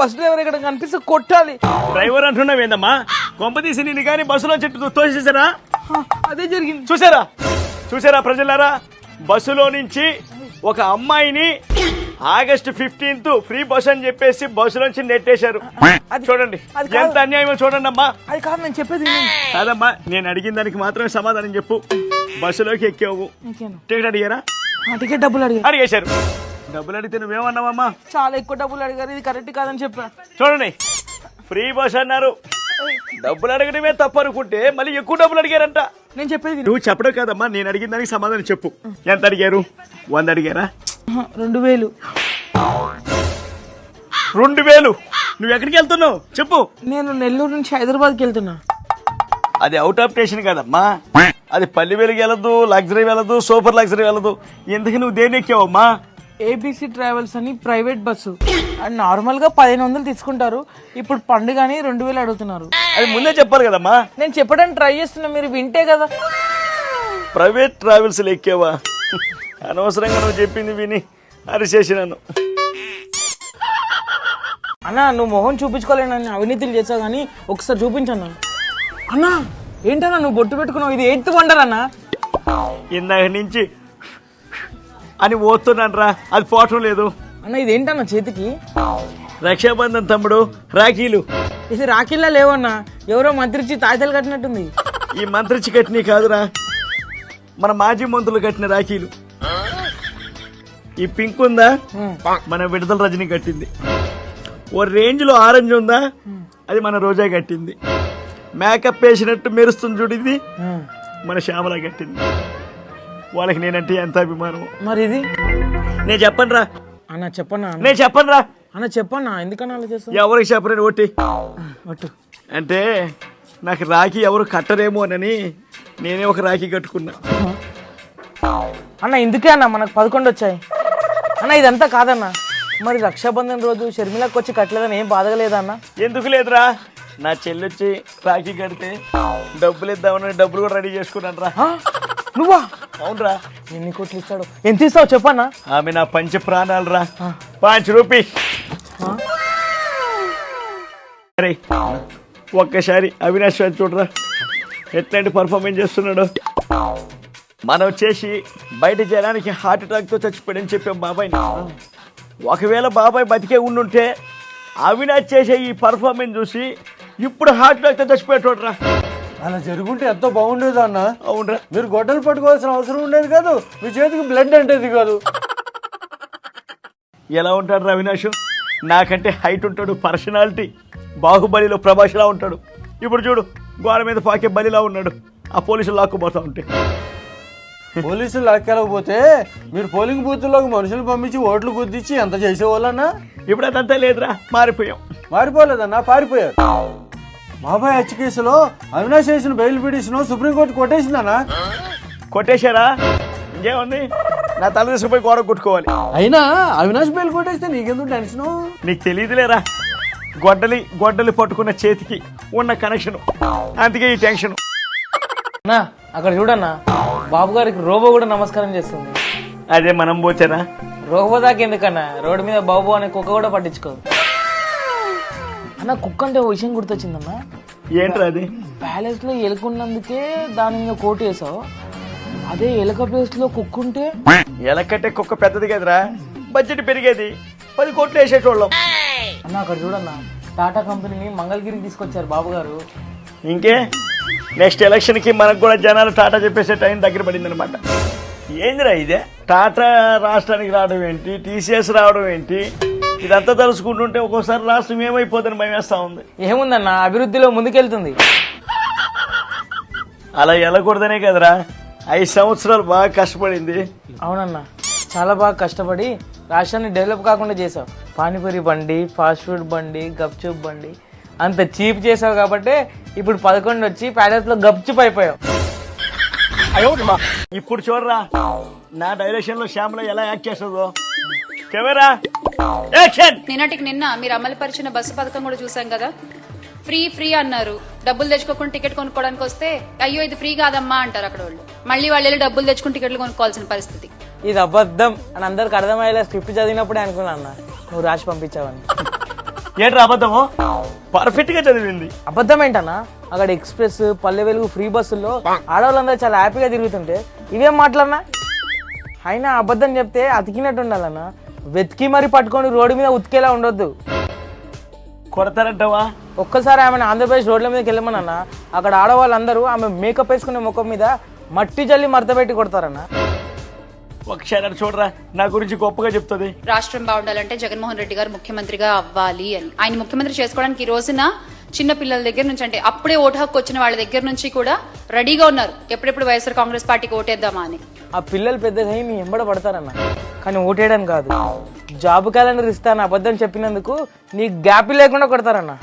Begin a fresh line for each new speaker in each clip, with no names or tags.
Bus driver ఇక్కడ కనిపిస్తే కొట్టాలి.
డ్రైవర్ అంటున్నావు ఏందమ్మా? కొంపతీసి నిన్ను కానీ బస్సులో చెట్టు తోసేసారా?
అదే జరిగింది.
చూసారా ప్రజలారా? బస్సులో నుంచి ఒక అమ్మాయిని ఆగస్టు 15th ఫ్రీ బస్ అని చెప్పేసి బస్సులోంచి నెట్టేశారు. చూడండి ఎంత అన్యాయమో చూడండి అమ్మా.
అది కాదు నేను చెప్పేది.
కాదమ్మా, నేను అడిగిన దానికి మాత్రమే సమాధానం చెప్పు. బస్సులోకి ఎక్కావు, టికెట్ అడిగారా?
టికెట్ డబ్బులు
అడిగేశారు. డబ్బులు అడిగితే నువ్వేమన్నావమ్మా?
చాలా ఎక్కువ డబ్బులు అడిగారు, ఇది కరెక్ట్ కాదని చెప్పా.
చూడండి, ఫ్రీ బస్ అన్నారు, డబ్బులు అడగడమే తప్పు అనుకుంటే మళ్ళీ ఎక్కువ డబ్బులు అడిగారంట.
నేను చెప్పేది
నువ్వు చెప్పడం కాదమ్మా, నేను అడిగిన దానికి సమాధానం చెప్పు. ఎంత అడిగారు? 100 అడిగారా?
2000.
2000? నువ్వు ఎక్కడికి వెళ్తున్నావు చెప్పు.
నేను నెల్లూరు నుంచి హైదరాబాద్కి వెళ్తున్నా.
అది అవుట్ ఆఫ్ స్టేషన్ కాదమ్మా, అది పల్లి వెలుగు వెళ్ళదు, లగ్జరీ వెళ్ళదు, సూపర్ లగ్జరీ వెళ్ళదు. ఎందుకు నువ్వు దేని ఎక్కావమ్మా?
ఏబిసి ట్రావెల్స్ అని ప్రైవేట్ బస్సు. అండ్ నార్మల్ గా 1500 తీసుకుంటారు, ఇప్పుడు పండుగని 2000 అడుగుతున్నారు.
అది ముందే చెప్పాలి కదమ్మా.
నేను చెప్పడానికి ట్రై చేస్తున్నా, మీరు వింటే కదా.
ప్రైవేట్ ట్రావెల్స్ ఎక్కావా? అనవసరంగా నువ్వు చెప్పింది విని అరిచేసి నన్ను.
అన్నా నువ్వు మొహం చూపించుకోలేనని అవినీతులు చేసావు కానీ ఒకసారి చూపించన్నా. అన్నా ఏంటన్నా నువ్వు బొట్టు పెట్టుకున్నావు, ఇది 8th వండర్ అన్నా.
ఇందాక నుంచి అని పోతున్నాను రా, అది పోవటం లేదు.
అన్న ఇదేంటన్నా చేతికి?
రక్షాబంధన్ తమ్ముడు, రాఖీలు.
ఇది రాఖీల్లా లేవన్నా, ఎవరో మంత్రిచ్చి తాయితలు కట్టినట్టుంది.
ఈ మంత్రిచ్చి కట్టినవి కాదురా, మన మాజీ మంత్రులు కట్టిన రాఖీలు. ఈ పింక్ ఉందా, మన విడుదల రజని కట్టింది. ఓ రేంజ్ లో ఆరెంజ్ ఉందా, అది మన రోజా కట్టింది. మేకప్ వేసినట్టు మెరుస్తుంది చూడింది, మన శ్యామల కట్టింది. వాళ్ళకి నేనంటే ఎంత అభిమానం.
మరి ఇది
నేను చెప్పను రా
అన్న. చెప్పన్నా?
నేను చెప్పను రా
అన్న. చెప్పన్నా, ఎందుకన్నా అలా చేస్తావు?
ఎవరికి చెప్పలేను ఓటి
ఒట్టు.
అంటే నాకు రాఖీ ఎవరు కట్టరేమో అని నేనే ఒక రాఖీ కట్టుకున్నా.
అన్న ఇందుకే అన్న మనకు 11 వచ్చాయి అన్న. ఇదంతా కాదన్న, మరి రక్షాబంధన్ రోజు షర్మిలకు వచ్చి కట్టలేదని ఏం బాధగలేదన్న?
ఎందుకు లేదురా, నా చెల్లొచ్చి రాఖీ కడితే డబ్బులు ఇద్దామని డబ్బులు కూడా రెడీ చేసుకున్నాను రా.
నువ్వా?
అవునరా.
ఎన్ని కోట్లు ఇస్తాడు? ఎంత ఇస్తావు చెప్పన్నా?
ఆమె నా పంచ ప్రాణాలు రా. 5 రూపాయలు. అరే ఒక్కసారి అవినాష్ చూడరా ఎట్లాంటి పర్ఫార్మెన్స్ చేస్తున్నాడు. మనం వచ్చేసి బయట జనానికి హార్ట్ అటాక్ తో చచ్చిపోయాడని చెప్పాం బాబాయ్. ఒకవేళ బాబాయ్ బతికే ఉండుంటే అవినాష్ చేసే ఈ పర్ఫార్మెన్స్ చూసి ఇప్పుడు హార్ట్ అటాక్ తో చచ్చిపోయేటోడ్రా.
అలా జరుగుంటే ఎంతో బాగుండేది అన్న.
అవునరా,
మీరు గొడ్డలు పట్టుకోవాల్సిన అవసరం ఉండేది కాదు, మీ చేతికి బ్లడ్ అంటేది కాదు.
ఎలా ఉంటాడు రా అవినాష్? నాకంటే హైట్ ఉంటాడు, పర్సనాలిటీ బాహుబలిలో ప్రభాస్లా ఉంటాడు. ఇప్పుడు చూడు గోడ మీద పాకే బలిలా ఉన్నాడు, ఆ పోలీసులు లాక్కుపోతా ఉంటే.
పోలీసులు లాక్కెళ్ళకపోతే మీరు పోలింగ్ బూత్లోకి మనుషులు పంపించి ఓట్లు గుద్దించి ఎంత చేసేవాళ్ళన్నా?
ఇప్పుడు అదంతా లేదురా, మారిపోయాం.
మారిపోలేదన్నా, పారిపోయారు. బాబాయ్ హత్య కేసులో అవినాష్ చేసిన బెయిల్ పిటిషన్ సుప్రీంకోర్టు కొట్టేసిందన్నా.
కొట్టేశారా? ఇంకేముంది, నా తల తీసుకుపోయి గోడ కొట్టుకోవాలి.
అయినా అవినాష్ బెయిల్ కొట్టేస్తే నీకెందుకు టెన్షన్?
నీకు తెలియదులేరా, గొడ్డలి పట్టుకున్న చేతికి ఉన్న కనెక్షన్, అందుకే ఈ టెన్షన్.
అన్నా అక్కడ చూడన్నా, బాబు గారికి రోబో కూడా నమస్కారం చేస్తుంది.
అదే మనం పోచారా?
రోబో దాకా ఎందుకన్నా, రోడ్డు మీద బాబు అనే కుక్క కూడా పట్టించుకో అన్న. కుక్క అంటే ఓ విషయం గుర్తొచ్చిందన్నా.
ఏంట్రా అది?
ప్యాలెస్ లో ఎలుకున్నందుకే దాని మీద కోటు వేసావు, అదే ఎలక ప్లేస్ లో కుక్క ఉంటే?
ఎలకంటే కుక్క పెద్దది కదరా, బడ్జెట్ పెరిగేది, 10 కోట్లు వేసేటోళ్ళం.
అన్న అక్కడ చూడన్నా, టాటా కంపెనీని మంగళగిరికి తీసుకొచ్చారు బాబు గారు.
ఇంకే నెక్స్ట్ ఎలక్షన్ కి మనకు కూడా జనాలు టాటా చెప్పేసే టైం దగ్గర పడింది అనమాట. ఏందిరా ఇదే, టాటా రాష్ట్రానికి రావడం ఏంటి, టీసీఎస్ రావడం ఏంటి, ఇదంతా తెలుసుకుంటుంటే ఒక్కోసారి రాష్ట్రం ఏమైపోతుందని భయం వేస్తా ఉంది.
ఏముందన్న, అభివృద్ధిలో ముందుకెళ్తుంది.
అలా వెళ్ళకూడదనే కదరా 5 సంవత్సరాలు బాగా కష్టపడింది.
అవునన్నా, చాలా బాగా కష్టపడి రాష్ట్రాన్ని డెవలప్ కాకుండా చేసావు. పానీపూరి బండి, ఫాస్ట్ ఫుడ్ బండి, గప్చుప్ బండి అంత చీప్ చేసావు కాబట్టి ఇప్పుడు 11 వచ్చి ప్యాలెస్ లో గప్చుప్ అయిపోయావు.
ఇప్పుడు చూడరా నా డైరెక్షన్ లో శ్యామలో ఎలా యాక్ట్ చేస్తుందో. Camera action.
నిన్నటికి నిన్న మీరు అమలుపరిచిన బస్సు పథకం కూడా చూసాం కదా. ఫ్రీ ఫ్రీ అన్నారు, డబ్బులు తెచ్చుకోకుండా టికెట్ కొనుక్కోవడానికి వస్తే అయ్యో ఇది ఫ్రీ కాదమ్మా అంటారు అక్కడ వాళ్ళు. మళ్ళీ వాళ్ళు వెళ్ళి డబ్బులు తెచ్చుకుని టికెట్లు కొనుక్కోవాల్సిన పరిస్థితి.
ఇది అబద్ధం అని అందరికి అర్థమయ్యేలా స్క్రిప్ట్ చదివినప్పుడే అనుకున్నా అన్న, నువ్వు రాసి పంపించావని.
ఏంట్రా అబద్ధము? పర్ఫెక్ట్ గా చదివింది.
అబద్ధం ఏంటన్నా? అక్కడ ఎక్స్ప్రెస్, పల్లె వెలుగు, ఫ్రీ బస్సుల్లో ఆడవాళ్ళందరూ చాలా హ్యాపీగా తిరుగుతుంటే ఇవేం మాట్లాడినా? అయినా అబద్ధం చెప్తే అతికినట్టు ఉండాలన్నా, వెతికి మరి పట్టుకొని రోడ్డు మీద ఉతికేలా ఉండొద్దు.
కొడతారంటావా?
ఒక్కసారి ఆమెను ఆంధ్రప్రదేశ్ రోడ్ల మీదకి వెళ్ళమనన్నా, అక్కడ ఆడవాళ్ళందరూ ఆమె మేకప్ వేసుకునే ముఖం మీద మట్టి జల్లి మడత పెట్టి కొడతారన్నా.
ఒకసారి చూడరా, నా గురించి గొప్పగా చెప్తుంది.
రాష్ట్రం బాగుండాలంటే జగన్మోహన్ రెడ్డి గారు ముఖ్యమంత్రిగా అవ్వాలి అని. ఆయన ముఖ్యమంత్రి చేసుకోవడానికి ఈ రోజున చిన్న పిల్లల దగ్గర నుంచి, అంటే అప్పుడే ఓటు హక్కు వచ్చిన వాళ్ళ దగ్గర నుంచి కూడా రెడీగా ఉన్నారు ఎప్పుడెప్పుడు వైఎస్ఆర్ కాంగ్రెస్ పార్టీకి ఓటేద్దామా అని.
ఆ పిల్లలు పెద్దగా నీ ఎంబడ పడతారన్న, కానీ ఓటేయడం కాదు, జాబ్ క్యాలెండర్ ఇస్తాను అబద్ధం చెప్పినందుకు నీ గ్యాప్ లేకుండా కొడతారన్న.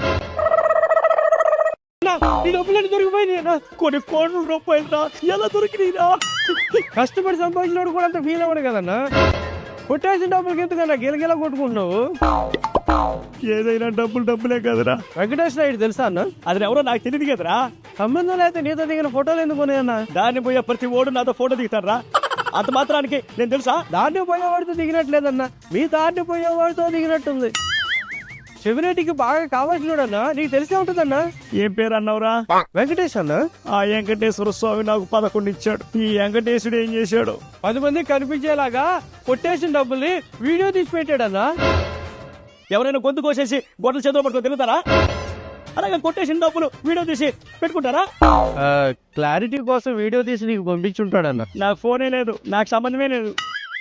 కొన్ని కోట్ల రూపాయలు ఎలా దొరికినా
కష్టపడి సంపాదించినోడు కూడా అంత ఫీల్ అవ్వడు కదన్నా. కొట్టేసిన డబ్బులకి ఎందుకన్నా గిలగిలా కొట్టుకుంటున్నావు?
ఏదైనా డబ్బులే కదరా.
వెంకటేష్ నాయుడు తెలుసా అన్న?
అది ఎవరో నాకు తెలియదు కదరా.
సంబంధం అయితే నీతో దిగిన ఫోటోలు ఎందుకు ఉన్నాయన్నా?
దాన్ని పోయే ప్రతి ఓడు నాతో ఫోటో దిగుతారా? అంత మాత్రానికి నేను తెలుసా?
దాన్ని పోయేవాడితో దిగినట్లేదన్నా, మీ దాన్ని పోయేవాడితో దిగినట్టుంది. చెవిరెడ్డికి బాగా కావాల్సినోడన్నా, నీకు తెలిసే ఉంటుందన్నా.
ఏం పేరు అన్నావురా?
వెంకటేష్ అన్న.
ఆ వెంకటేశ్వర స్వామి నాకు 11 ఇచ్చాడు. ఈ వెంకటేశుడు ఏం చేశాడు?
10 మంది కనిపించేలాగా కొట్టేసిన డబ్బుల్ని వీడియో తీసి పెట్టాడన్నా.
ఎవరైనా గొంతు కోసేసి గొడ్డల చేతిలో పట్టుకొని తిరుగుతారా? అలాగే కొట్టేసిన డబ్బులు వీడియో తీసి పెట్టుకుంటారా?
క్లారిటీ కోసం వీడియో తీసి నీకు పంపించుంటాడన్న.
నాకు ఫోనే లేదు, నాకు సంబంధమే లేదు.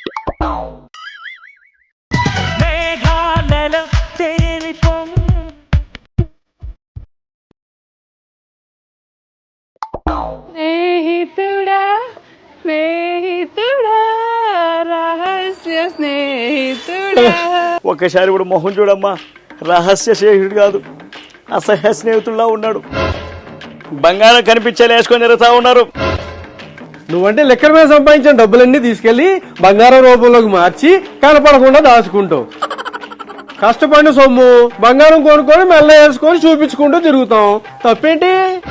స్నేహితుడా స్నేహితుడా రహస్య స్నేహితుడా.
ఒక్కసారి కూడా మొహం చూడమ్మా, రహస్య స్నేహితుడు కాదు, అసహ్య స్నేహితుల్లా ఉన్నాడు. బంగారం కనిపించేలా వేసుకొని తిరుగుతా ఉన్నారు.
నువ్వంటే లెక్కల మీద సంపాదించిన డబ్బులన్నీ తీసుకెళ్లి బంగారం రూపంలోకి మార్చి కనపడకుండా దాచుకుంటావు. కష్టపడిన సొమ్ము బంగారం కొనుక్కొని మెల్ల వేసుకొని చూపించుకుంటూ తిరుగుతాం. తప్పేంటి?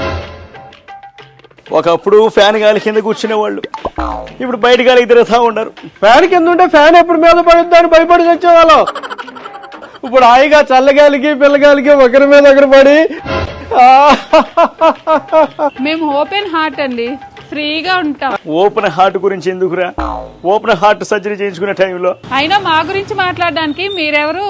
ఒకప్పుడు ఫ్యాన్ గాలి కింద కూర్చునే వాళ్ళు, ఇప్పుడు బయట గాలికి తిరుగుతా ఉన్నారు.
ఫ్యాన్ కింద ఉంటే ఫ్యాన్ ఎప్పుడు మీద పడుద్దని భయపడి వచ్చేవాళ్ళం. ఇప్పుడు హాయిగా చల్లగాలికి పిల్లగాలికి ఒకరి మీద ఒకరు పడి
మేము ఓపెన్ హార్ట్ అండి, ఫ్రీగా ఉంటాం.
ఓపెన్ హార్ట్ గురించి ఎందుకురా? ఓపెన్ హార్ట్ సర్జరీ చేయించుకునే టైంలో
అయినా మా గురించి మాట్లాడడానికి మీరెవరు?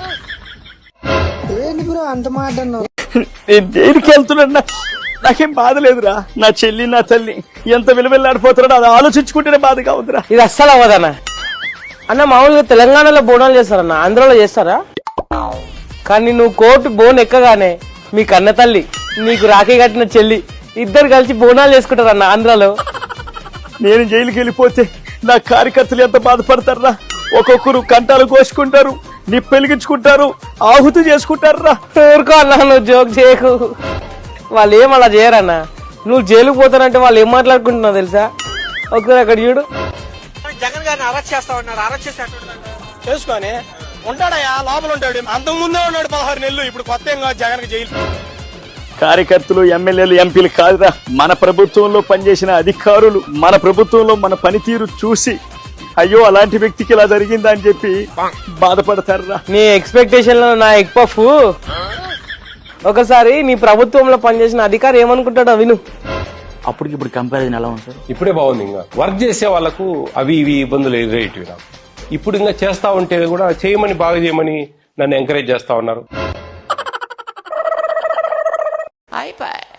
నేను దేనికి వెళ్తున్నా నాకేం బాధ లేదురా. నా చెల్లి నా తల్లి ఎంత విలువెల్లాడిపోతున్నాడో అది ఆలోచించుకుంటేనే బాధగా ఉందిరా.
ఇది అస్సలు అవ్వదన్న. అన్న మామూలుగా తెలంగాణలో బోనాలు చేస్తారన్న, ఆంధ్రాలో చేస్తారా? కానీ నువ్వు కోర్టు బోన్ ఎక్కగానే మీ కన్న తల్లి, నీకు రాఖీ కట్టిన చెల్లి ఇద్దరు కలిసి బోనాలు చేసుకుంటారన్న ఆంధ్రాలో.
నేను జైలుకి వెళ్ళిపోతే నా కార్యకర్తలు ఎంత బాధపడతారా? ఒక్కొక్కరు కంటాలు కోసుకుంటారు, నిప్పెలిగించుకుంటారు, ఆహుతి చేసుకుంటారా.
ఊరుకో అన్న, నువ్వు జోక్ చేయకు. వాళ్ళు ఏం అలా చేయరన్న. నువ్వు జైలుకు పోతానంటే వాళ్ళు ఏం మాట్లాడుకుంటున్నావు తెలుసా? ఒకసారి అక్కడ చూడు.
జగన్ గారిని అరెస్ట్ చేస్తా ఉన్నారు. అరెస్ట్ చేసుకొని ఉంటాడయా, లోపల ఉంటాడు. అంతకు ముందే ఉన్నాడు 16 నెలలు. ఇప్పుడు కొత్త ఏం కాదు జగన్ జైలు.
కార్యకర్తలు, ఎమ్మెల్యేలు, ఎంపీలు కాదురా, మన ప్రభుత్వంలో పనిచేసిన అధికారులు మన ప్రభుత్వంలో మన పనితీరు చూసి అయ్యో అలాంటి వ్యక్తికి ఇలా జరిగిందా అని చెప్పి బాధపడతారా.
నీ ఎక్స్పెక్టేషన్ లో నా ఎగ్ పఫ్. ఒకసారి నీ ప్రభుత్వంలో పనిచేసిన అధికారి ఏమనుకుంటాడో విను.
అప్పటికి ఇప్పుడు కంపారిజన్ ఎలా ఉంది సార్?
ఇప్పుడే బాగుంది. ఇంకా వర్క్ చేసే వాళ్ళకు అవి ఇవి ఇబ్బందులు ఎదురయ్యేటివి నాకు. ఇప్పుడు ఇంకా చేస్తా ఉంటే కూడా చేయమని, బాగా చేయమని నన్ను ఎంకరేజ్ చేస్తా ఉన్నారు.